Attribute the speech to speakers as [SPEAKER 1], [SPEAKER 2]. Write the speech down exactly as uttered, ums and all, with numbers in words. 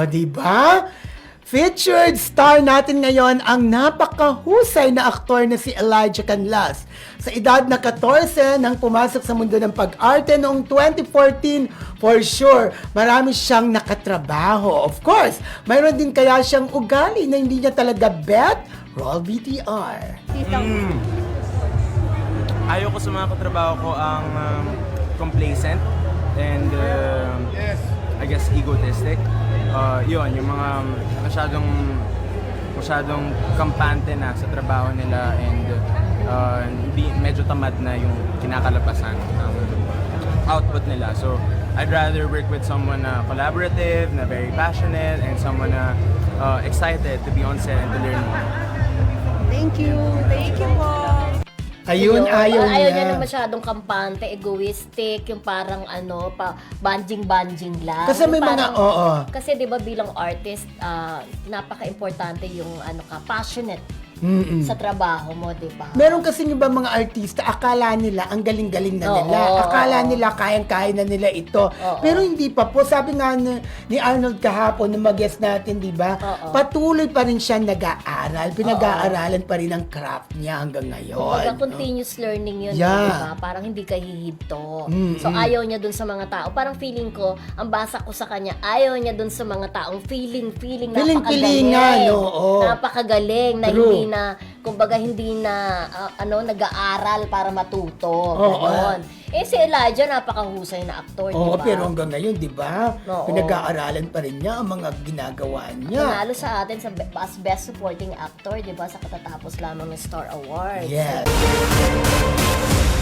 [SPEAKER 1] O, di ba? Featured star natin ngayon ang napakahusay na aktor na si Elijah Canlas. Sa edad na fourteen nang pumasok sa mundo ng pag-arte noong twenty fourteen, for sure, marami siyang nakatrabaho. Of course, mayroon din kaya siyang ugali na hindi niya talaga bet. Roll V T R.
[SPEAKER 2] Mm. Ayaw ko sa mga katrabaho ko ang um, complacent and uh, I guess egotistic. Uh, yun, yung mga masyadong masyadong kampante na sa trabaho nila and uh, hindi, medyo tamad na yung kinakalabasan ng output nila. So, I'd rather work with someone na collaborative, na very passionate, and someone na uh, excited to be on set and to learn more.
[SPEAKER 3] Thank you. Thank you po.
[SPEAKER 1] Ayun, ayaw niya.
[SPEAKER 4] Ayaw niya na masyadong kampante, egoistic, yung parang ano, pa banjing-banjing lang.
[SPEAKER 1] Kasi may
[SPEAKER 4] Yung
[SPEAKER 1] mga,
[SPEAKER 4] parang-
[SPEAKER 1] oo.
[SPEAKER 4] Kasi 'di ba bilang artist, ah, napaka-importante yung ano ka, passionate
[SPEAKER 1] Mm-mm.
[SPEAKER 4] sa trabaho mo, 'di ba?
[SPEAKER 1] Meron kasi yung iba mga artista, akala nila ang galing-galing na
[SPEAKER 4] Oo,
[SPEAKER 1] nila.
[SPEAKER 4] oo,
[SPEAKER 1] akala
[SPEAKER 4] oo.
[SPEAKER 1] nila kayang-kaya na nila ito.
[SPEAKER 4] Oo.
[SPEAKER 1] Pero hindi pa po. Sabi nga ni, ni Arnold kahapon, na mag-guest natin, di ba?
[SPEAKER 4] Oo.
[SPEAKER 1] Patuloy pa rin siya nag-aaral. Pinag-aaralan pa rin ang craft niya hanggang ngayon.
[SPEAKER 4] Kumbaga, continuous learning yun,
[SPEAKER 1] Yeah.
[SPEAKER 4] di ba? Parang hindi ka hihinto.
[SPEAKER 1] Mm,
[SPEAKER 4] So,
[SPEAKER 1] mm.
[SPEAKER 4] ayaw niya dun sa mga tao. Parang feeling ko, ang basa ko sa kanya, ayaw niya dun sa mga taong feeling, feeling,
[SPEAKER 1] Feeling-feelingan,
[SPEAKER 4] napakagaling.
[SPEAKER 1] oo.
[SPEAKER 4] Napakagaling na
[SPEAKER 1] True.
[SPEAKER 4] hindi na, kumbaga, hindi na, ah, ano, nag-aaral para matuto.
[SPEAKER 1] Oo.
[SPEAKER 4] Ganon. Eh, si Elijah, napakahusay na aktor,
[SPEAKER 1] Oo,
[SPEAKER 4] di ba?
[SPEAKER 1] pero hanggang ngayon, di ba?
[SPEAKER 4] Oo.
[SPEAKER 1] Pinag-aaralan pa rin niya ang mga ginagawa niya.
[SPEAKER 4] Nanalo sa atin sa be- as Best Supporting Actor, di ba? Sa katatapos lamang ng Star Award.
[SPEAKER 1] Yes.